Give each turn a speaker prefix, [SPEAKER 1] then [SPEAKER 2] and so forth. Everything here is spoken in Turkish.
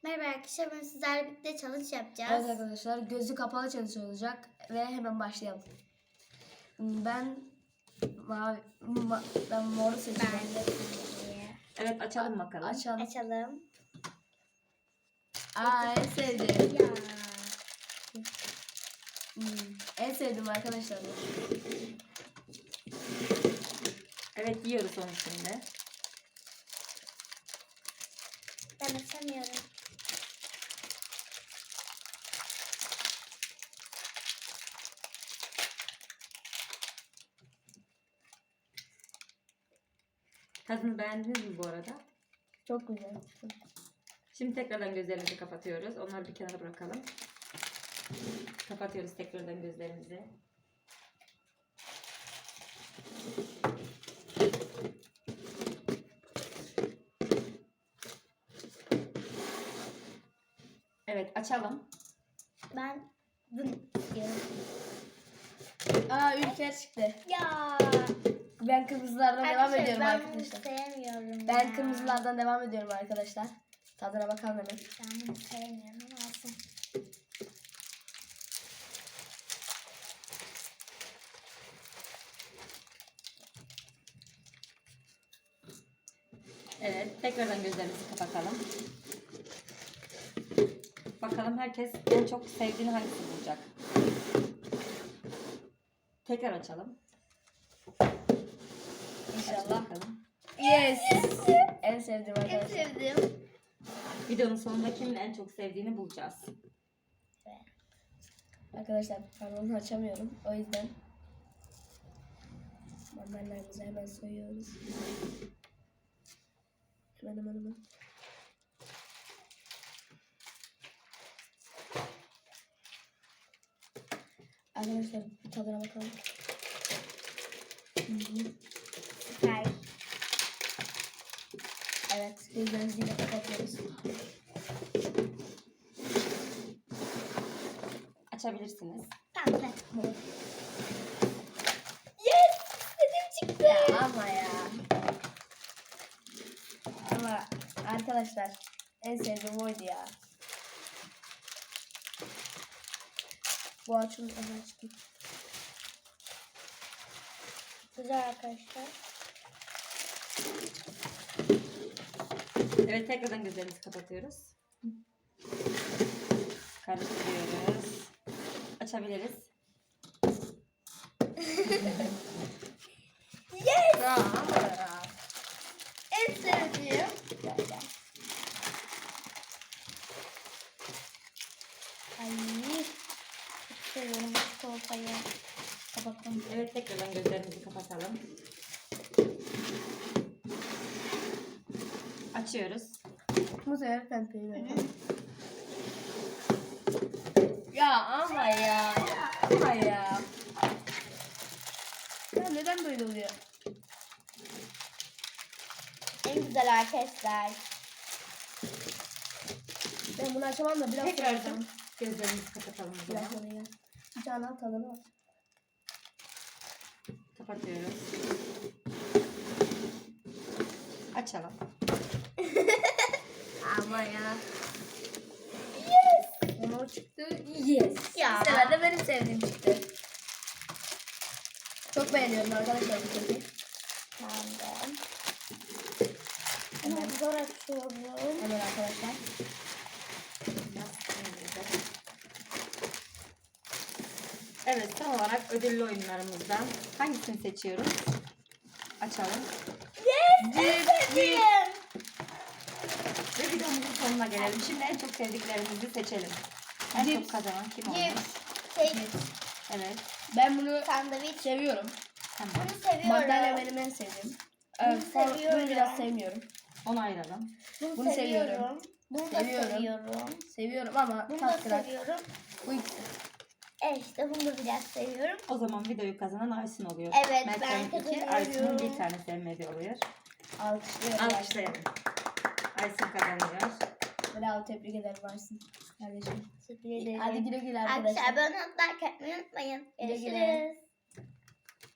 [SPEAKER 1] Merhaba arkadaşlar, ben sizlerle birlikte challenge yapacağız.
[SPEAKER 2] Evet arkadaşlar, gözü kapalı challenge olacak ve hemen başlayalım. Ben moru seçeceğim.
[SPEAKER 1] Ben de kırmızıyı.
[SPEAKER 3] Evet, açalım bakalım.
[SPEAKER 1] Açalım.
[SPEAKER 2] En sevdiğim.
[SPEAKER 1] Ya.
[SPEAKER 2] En sevdiğim arkadaşlar.
[SPEAKER 3] Evet, yiyoruz onun şimdi.
[SPEAKER 1] Ben açamıyorum.
[SPEAKER 3] Tadını beğendiniz mi bu arada?
[SPEAKER 2] Çok güzel.
[SPEAKER 3] Şimdi tekrardan gözlerimizi kapatıyoruz. Onları bir kenara bırakalım. Kapatıyoruz tekrardan gözlerimizi. Evet, açalım.
[SPEAKER 1] Ben bunu istiyorum.
[SPEAKER 2] Ülker çıktı.
[SPEAKER 1] Ya.
[SPEAKER 2] Ben kırmızılardan devam ediyorum
[SPEAKER 1] ben
[SPEAKER 2] arkadaşlar.
[SPEAKER 1] bunu sevmiyorum.
[SPEAKER 2] Ben
[SPEAKER 1] ya.
[SPEAKER 2] kırmızılardan devam ediyorum arkadaşlar. Tadına bakalım hemen.
[SPEAKER 1] Ben bunu sevmiyorum ama olsun.
[SPEAKER 3] Evet, tekrardan gözlerimizi kapatalım. Bakalım herkes en çok sevdiğini hangisi bulacak? Tekrar açalım.
[SPEAKER 2] İnşallah.
[SPEAKER 3] Bakalım.
[SPEAKER 2] Yes. En sevdiğim
[SPEAKER 1] En
[SPEAKER 2] arkadaşlar.
[SPEAKER 1] sevdiğim.
[SPEAKER 3] Videonun sonunda kimin en çok sevdiğini bulacağız.
[SPEAKER 2] Arkadaşlar ben onu açamıyorum. O yüzden mandallarımızı hemen soyuyoruz. Hemen. Arkadaşlar bir tadına bakalım.
[SPEAKER 1] Süper.
[SPEAKER 2] Evet, gözlerimizi yine kapatıyoruz.
[SPEAKER 3] Açabilirsiniz.
[SPEAKER 1] Pembe. Yes! İstediğim çıktı.
[SPEAKER 2] Ama ya. Ama arkadaşlar en sevdiğim oydu ya. Bu açım açtım.
[SPEAKER 1] Güzel arkadaşlar.
[SPEAKER 3] Evet, tekrardan gözlerimizi kapatıyoruz. Karıştırıyoruz. Açabiliriz.
[SPEAKER 1] Yes!
[SPEAKER 2] Ya ama ya.
[SPEAKER 1] En sevdiğim.
[SPEAKER 2] Gel.
[SPEAKER 1] Ay. Çok seviyorum bu çikolatayı.
[SPEAKER 2] Kapattım.
[SPEAKER 3] Evet, tekrardan gözlerimizi kapatalım. Açıyoruz.
[SPEAKER 2] Bu sefer pembeyi verelim. Ya ama ya. Ama ya. Ya neden böyle oluyor?
[SPEAKER 1] En güzel arkadaşlar.
[SPEAKER 2] Ben bunu açamam da biraz
[SPEAKER 3] Tekrardan
[SPEAKER 2] sonra-
[SPEAKER 3] gözlerimizi kapatalım o
[SPEAKER 2] Biraz
[SPEAKER 3] zaman.
[SPEAKER 2] sonra ya. Bir tane al tadına bak.
[SPEAKER 3] Kapatıyoruz. Açalım.
[SPEAKER 2] Ama ya. Yes. Ama o çıktı. Yes.
[SPEAKER 1] Ya.
[SPEAKER 2] Bu sefer de benim sevdiğim çıktı. Çok beğeniyorum arkadaşlar bu keki.
[SPEAKER 1] Ben de. Hemen zor açıyorum.
[SPEAKER 2] Hemen arkadaşlar.
[SPEAKER 3] Evet, son olarak ödüllü oyunlarımızdan hangisini seçiyoruz? Açalım.
[SPEAKER 1] Yes! En sevdiğim.
[SPEAKER 3] Ve videomuzun sonuna gelelim. Şimdi en çok sevdiklerimizi seçelim. En çok kazanan kim olur?
[SPEAKER 1] Cips. Kek.
[SPEAKER 3] Evet.
[SPEAKER 2] Ben bunu
[SPEAKER 1] Sandviç.
[SPEAKER 2] seviyorum.
[SPEAKER 3] Tamam.
[SPEAKER 1] Bunu seviyorum.
[SPEAKER 2] Mandalya benim en sevdiğim. Evet,
[SPEAKER 1] Bunu
[SPEAKER 2] bunu
[SPEAKER 1] seviyorum.
[SPEAKER 2] biraz sevmiyorum.
[SPEAKER 3] Onu ayıralım.
[SPEAKER 1] Bunu
[SPEAKER 2] Bunu
[SPEAKER 1] seviyorum.
[SPEAKER 2] seviyorum.
[SPEAKER 1] Bunu da
[SPEAKER 2] Seviyorum.
[SPEAKER 1] seviyorum.
[SPEAKER 2] Seviyorum ama
[SPEAKER 1] Bunu da
[SPEAKER 2] tat kırar.
[SPEAKER 1] seviyorum.
[SPEAKER 2] Bu ikisi.
[SPEAKER 1] İşte bunu da biraz seviyorum.
[SPEAKER 3] O zaman videoyu kazanan Aysun oluyor.
[SPEAKER 1] Evet, ben
[SPEAKER 3] Mert'in iki,
[SPEAKER 1] kazanıyorum.
[SPEAKER 3] Aysun'un bir tane sevmediği oluyor.
[SPEAKER 2] Alkışlıyorum.
[SPEAKER 3] Alkışlayalım. Aysun kazanıyor.
[SPEAKER 2] Bravo, tebrik ederim Aysun. Kardeşim.
[SPEAKER 1] Teşekkür ederim.
[SPEAKER 2] Hadi güle güle
[SPEAKER 1] Arkadaşlar
[SPEAKER 2] arkadaşlar.
[SPEAKER 1] abone olmayı unutmayın.
[SPEAKER 2] Güle güle.
[SPEAKER 1] Görüşürüz.